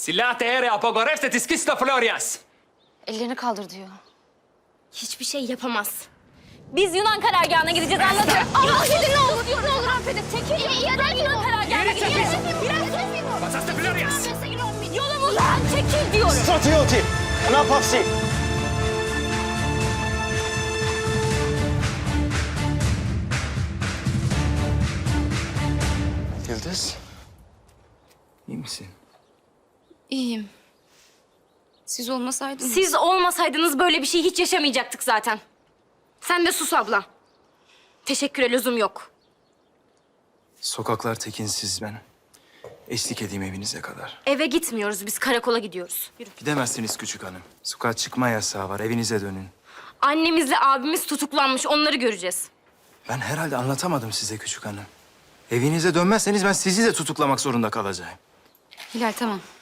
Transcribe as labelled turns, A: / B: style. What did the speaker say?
A: Silate ere apogorefte tiskisto Florias.
B: Ellerini kaldır diyor.
C: Hiçbir şey yapamaz. Biz Yunan karargahına gideceğiz, anladın mı? Affedin ne olur, ne olur affedin. Çekil. Ya da Yunan karargahına gideceğiz.
A: Pasaste Florias.
C: Yolumuzdan çekil diyorum.
D: Stratiyoti, napavsi.
A: Yıldız. İyi misin?
B: İyiyim. Siz olmasaydınız...
C: Siz olmasaydınız böyle bir şey hiç yaşamayacaktık zaten. Sen de sus abla. Teşekküre lüzum yok.
A: Sokaklar tekinsiz ben. Eşlik edeyim evinize kadar.
C: Eve gitmiyoruz, biz karakola gidiyoruz. Yürü.
A: Gidemezsiniz küçük hanım. Sokağa çıkma yasağı var. Evinize dönün.
C: Annemizle abimiz tutuklanmış, onları göreceğiz.
A: Ben herhalde anlatamadım size küçük hanım. Evinize dönmezseniz ben sizi de tutuklamak zorunda kalacağım.
B: Hilal tamam.